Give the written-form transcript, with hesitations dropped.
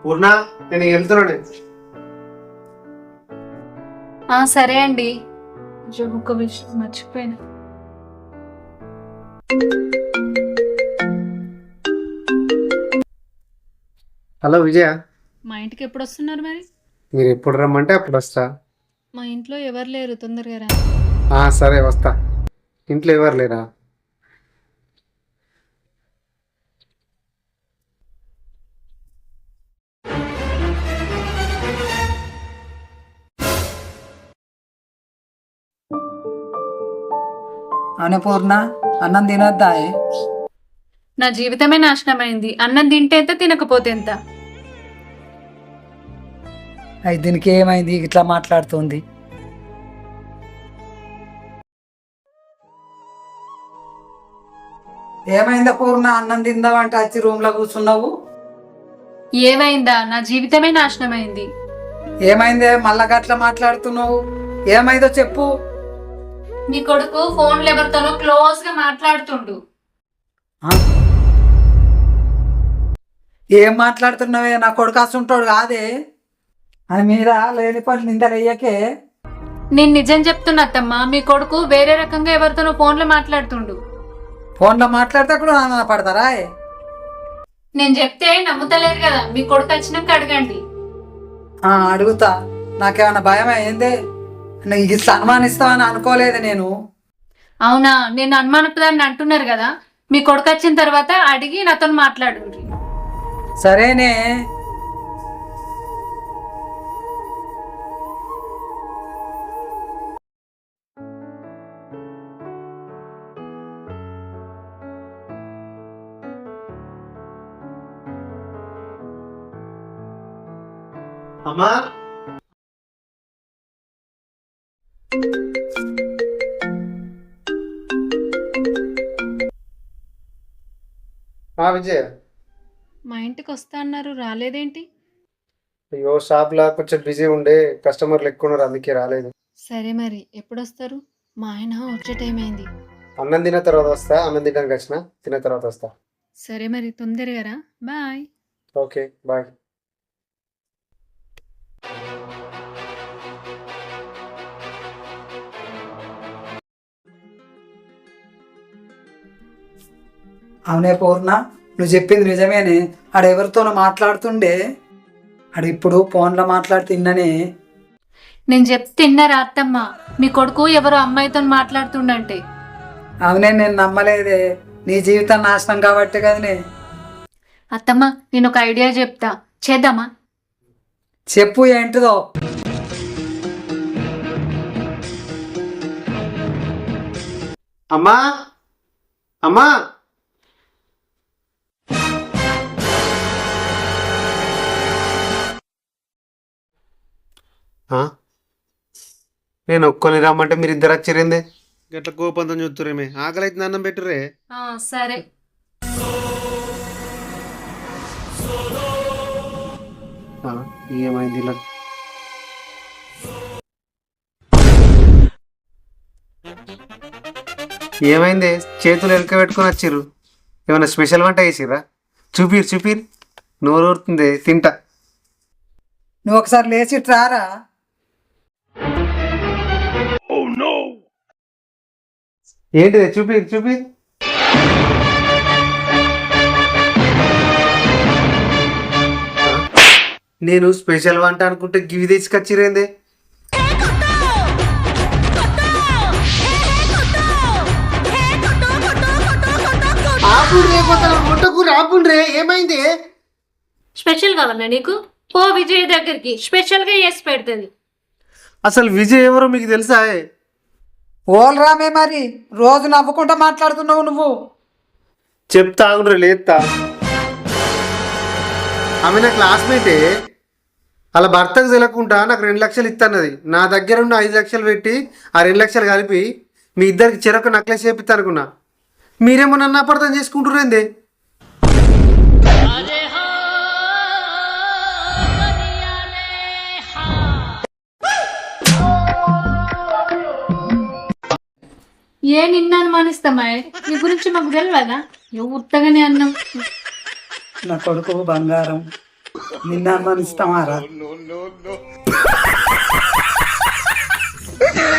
పూర్ణ నేను వెళ్తున్నాను. సరే అండి. ఒక విషయం మర్చిపోయినా. హలో విజయ, మా ఇంటికి ఎప్పుడు వస్తున్నారు మరి? మీరు ఎప్పుడు రమ్మంటే అప్పుడు వస్తా. మా ఇంట్లో ఎవరు లేరు, తొందరగా రా. సరే వస్తా. ఇంట్లో ఎవరు లేరా? అన్నపూర్ణ, అన్నం తినొద్దా? నా జీవితమే నాశనమైంది. అన్నం తింటే ఎంత, తినకపోతే ఎంత? అయి దీనికి ఏమైంది ఇట్లా మాట్లాడుతుంది? ఏమైందా పూర్ణ? అన్నం తిందామంటే వచ్చి రూమ్ లో కూర్చున్నావు. ఏమైందా? నా జీవితమే నాశనమైంది. ఏమైందే మళ్ళా గట్లా మాట్లాడుతున్నావు? ఏమైందో చెప్పు. నీ కొడుకు ఫోన్లో ఎవరితోనో క్లోజ్ గా మాట్లాడుతుండు. ఆ? ఏం మాట్లాడుతున్నావే? నా కొడుకు అసుంటాడు కాదే. అని మీద లేని పని నిందలయ్యకే. నేను నిజం చెప్తున్నా అత్తమ్మ, మీ కొడుకు వేరే రకంగా ఎవరితోనో ఫోన్లో మాట్లాడుతుండు. ఫోన్లో మాట్లాడితే కూడా ఆనంద పడతారా? నేను చెప్తే నమ్ముతలేరు కదా, మీ కొడుకు వచ్చినాక అడగండి. అడుగుతా. నాకేమన్నా భయం అయిందే? నీకు ఇట్లా అనుమానిస్తావని అనుకోలేదు నేను. అవునా? నేను అనుమానపదాన్ని అంటున్నారు కదా, మీ కొడుకు వచ్చిన తర్వాత అడిగి నాతో మాట్లాడు. సరేనే. అమ్మా, విజయ. మా ఇంటికి వస్తా అన్నారు, రాలేదేంటి? అయ్యో, షాప్లో కొంచెం బిజీ ఉండే, కస్టమర్లు ఎక్కువ ఉన్నారు, అందుకే రాలేదు. సరే మరి ఎప్పుడు వస్తారు? మా ఆయన వచ్చే టైం అయింది. అన్నం తిన్న తర్వాత వస్తా. అన్నం తినడానికి వచ్చిన, తిన్న తర్వాత వస్తా. సరే మరి తొందరగా రా. బాయ్. Okay bye. అవునే పూర్ణ, నువ్వు చెప్పింది నిజమేనే. ఆడెవరితోనో మాట్లాడుతుండే. ఇప్పుడు ఫోన్లో మాట్లాడుతున్ననే. నేను చెప్తే తిన్నారా అత్తమ్మ? మీ కొడుకు ఎవరో అమ్మాయితో మాట్లాడుతుండంటే. అవునే, నేను నమ్మలేదే. నీ జీవితం నాశనం కాబట్టి కదనే. అత్తమ్మ, నేను ఒక ఐడియా చెప్తా, చేద్దామా? చెప్పు, ఏంటిదో? అమ్మా, అమ్మా, నేను ఒక్కొని రమ్మంటే మీరు ఇద్దరు వచ్చిరేందే? గట్ల కోపంతో చూస్తురేమే. ఆకలి అయితే అన్నం పెట్టురే. సరే. ఏమైంది ఇలా? ఏమైంది? చేతులు వెనక పెట్టుకొని వచ్చిర్రు. ఏమైనా స్పెషల్ వంట వేసిర్రా? చూపిరు చూపిరు. నోరు ఊరుతుంది, తింటా. నువ్వు ఒకసారి లేచి రారా. ఏంటిది? చూపిరు చూపిరు. నేను స్పెషల్ వంట అనుకుంటే గివి తీసుకొచ్చిరేందే? ఆపుండ్రే, ఏమైంది? స్పెషల్ కావాలా నీకు? పో విజయ్ దగ్గరికి, స్పెషల్ గా చేసి పెడుతుంది. అసలు విజయ్ ఎవరో మీకు తెలుసా? ఓల్ రామే, మరి రోజు నవ్వుకుంటా మాట్లాడుతున్నావు నువ్వు. చెప్తా ఆగుండ్రే, లేస్తా. ఆమె నా క్లాస్మేటే. అలా భర్తకు తెలియకుండా నాకు 2 లక్షలు ఇస్తానది. నా దగ్గర ఉన్న 5 లక్షలు పెట్టి ఆ 2 లక్షలు కలిపి మీ ఇద్దరికి చెరొక నక్లెస్ చేపిస్తా అనుకున్నా. మీరేమో నన్ను అపార్థం చేసుకుంటురేందే? ఏ నిన్న అనుమానిస్తామా? నీ గురించి మాకు తెలియదా? ఉత్తగానే అన్నాం. నా కొడుకు బంగారం. నిన్ను అనుమానిస్తామారా